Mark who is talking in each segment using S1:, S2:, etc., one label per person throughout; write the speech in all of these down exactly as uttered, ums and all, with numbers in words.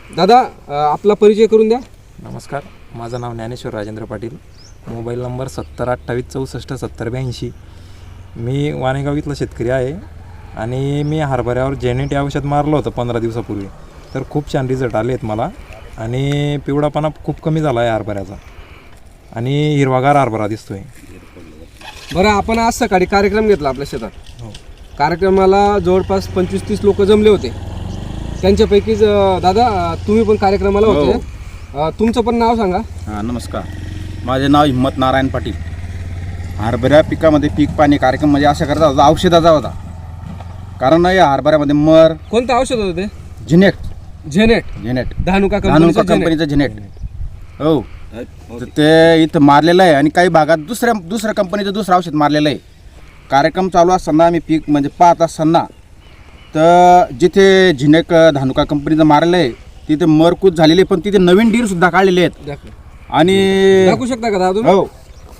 S1: दादा अ, आपला परिचय करून द्या.
S2: नमस्कार, माझं नाव ज्ञानेश्वर राजेंद्र पाटील. मोबाईल नंबर सत्तर अठ्ठावीस चौसष्ट सत्तर ब्याऐंशी. मी वाणेगाव इथला शेतकरी आहे आणि मी हरभऱ्यावर जेनेट औषध मारलं होतं पंधरा दिवसापूर्वी. तर खूप छान रिझल्ट आले आहेत मला आणि पिवळापणा खूप कमी झाला आहे हरभऱ्याचा आणि हिरवागार हरभरा दिसतो आहे.
S1: बरं, आपण आज सकाळी कार्यक्रम घेतला आपल्या शेतात.
S2: हो.
S1: कार्यक्रमाला जवळपास पंचवीस तीस लोक जमले होते. त्यांच्यापैकीच अ, दादा अ, तुम्ही पण कार्यक्रमाला होते. अ, तुमचं पण नाव सांगा.
S3: हां नमस्कार, माझे नाव हिम्मत नारायण पाटील. हरभऱ्या पिकामध्ये पीक पाणी कार्यक्रम म्हणजे अशा करता होता, औषधाचा होता. कारण या हरभऱ्यामध्ये मर
S1: कोणतं औषध होतं ते?
S3: झिनेट
S1: झेनेट
S3: झिनेट
S1: धानुका
S3: धानुका
S1: कंपनीचं
S3: कंपनीचं झिनेट. हो, तर ते इथं मारलेलं आहे आणि काही भागात दुसऱ्या दुसऱ्या कंपनीचं दुसरं औषध मारलेलं आहे. कार्यक्रम चालू असताना आम्ही पीक म्हणजे पाहत असताना तर जिथे झिनेक धानुका कंपनीचं मारलेलं आहे तिथे मरकूत झालेली, पण तिथे नवीन डीर सुद्धा काढलेले आहेत.
S1: दाखव.
S3: आणि
S1: दाखवू शकता का दादा तुम्ही?
S3: हो,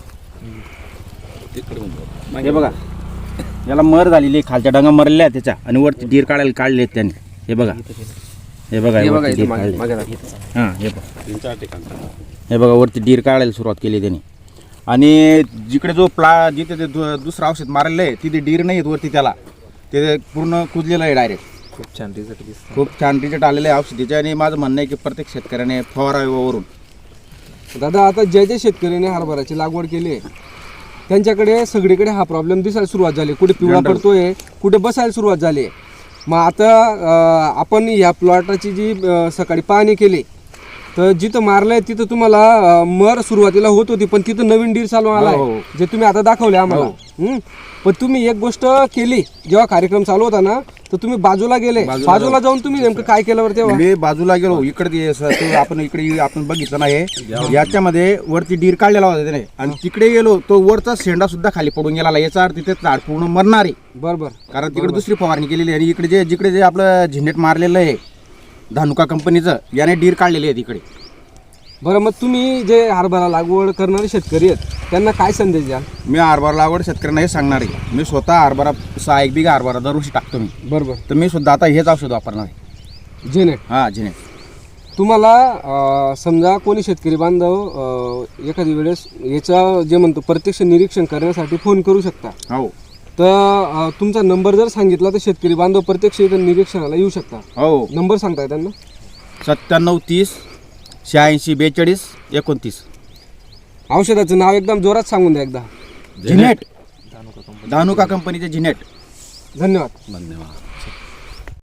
S3: हे बघा, याला मर झालेली आहे, खालच्या डांगा मरलेल्या आहेत त्याच्या आणि वरती डीर काढायला काढले आहेत त्यांनी. हे बघा, हे बघा,
S1: हे बघा
S3: वरती
S1: इथं
S3: डीर
S1: मागे-
S3: काढले.
S1: मागे दाखव.
S3: हां, हे बघा, हे बघा, वरती डीर काढायला सुरुवात केली त्यांनी. आणि जिकडे जो प्ला जिथे ते दु- दुसरं औषध मारलेलं आहे तिथे डीर नाही आहेत वरती, त्याला ते पूर्ण कुजलेलं आहे डायरेक्ट.
S2: खूप छान रिझल्ट दिसतो.
S3: खूप छान रिझल्ट आलेले आहे औषधीचे आणि माझं म्हणणं आहे की प्रत्येक शेतकऱ्याने फवारावरून.
S1: दादा आता ज्या ज्या शेतकऱ्याने हरभऱ्याची लागवड केली आहे त्यांच्याकडे सगळीकडे हा प्रॉब्लेम दिसायला सुरुवात झाली. कुठे पिवळा पडतोय, कुठे बसायला सुरुवात झाली आहे. मग आता अं, आपण या प्लॉटाची जी अं, सकाळी पाहणी केली तर जिथं मारलंय तिथं तुम्हाला अं, मर सुरुवातीला होत होती, पण तिथं नवीन डीर चालू आला
S3: हो, हो.
S1: आहे जे तुम्ही आता दाखवले आम्हाला. हं? पण तुम्ही एक गोष्ट केली जेव्हा कार्यक्रम चालू होता ना, तर तुम्ही बाजूला गेले. बाजूला जाऊन तुम्ही नेमकं काय केलं बरं तेव्हा?
S3: मी बाजूला गेलो, इकडे ते स- ते आपण इकडे आपण बघितलं नाही, याच्यामध्ये वरती डीर काढलेला होता त्याने आणि तिकडे गेलो तो वरचा शेंडा सुद्धा खाली पडून गेला. याचा अर्थ तिथे झाड पूर्ण मरणार आहे.
S1: बरोबर.
S3: कारण तिकडे दुसरी फवारणी केलेली आहे आणि इकडे जे जिकडे जे आपलं झिंडेट मारलेलं आहे धानुका कंपनीचं, याने डीर काढलेली आहे तिकडे.
S1: बरं, मग तुम्ही जे हरभरा लागवड करणारे शेतकरी आहेत त्यांना काय संदेश द्याल?
S3: मी हरभरा लागवड शेतकऱ्यांना हे सांगणार आहे, मी स्वतः हरभरा सहा एक बिघा हरभरा दरवर्षी टाकतो मी.
S1: बरोबर.
S3: तर मी सुद्धा आता हेच औषध वापरणार आहे.
S1: जेनेट.
S3: हां, झिनेट.
S1: तुम्हाला अं, समजा कोणी शेतकरी बांधव अं, एखादी वेळेस याचा जे म्हणतो प्रत्यक्ष निरीक्षण करण्यासाठी फोन करू शकता.
S3: हो
S1: तर अं, तुमचा नंबर जर सांगितला तर शेतकरी बांधव प्रत्यक्ष इथं निरीक्षणाला येऊ शकता.
S3: हो,
S1: नंबर सांगताय त्यांना?
S3: सत्त्याण्णव तीस शहाऐंशी बेचाळीस एकोणतीस.
S1: औषधाचं नाव एकदम जोरात सांगून द्या एकदा.
S3: झिनेट, धानुका कंपनीचे झिनेट.
S1: धन्यवाद.
S3: धन्यवाद.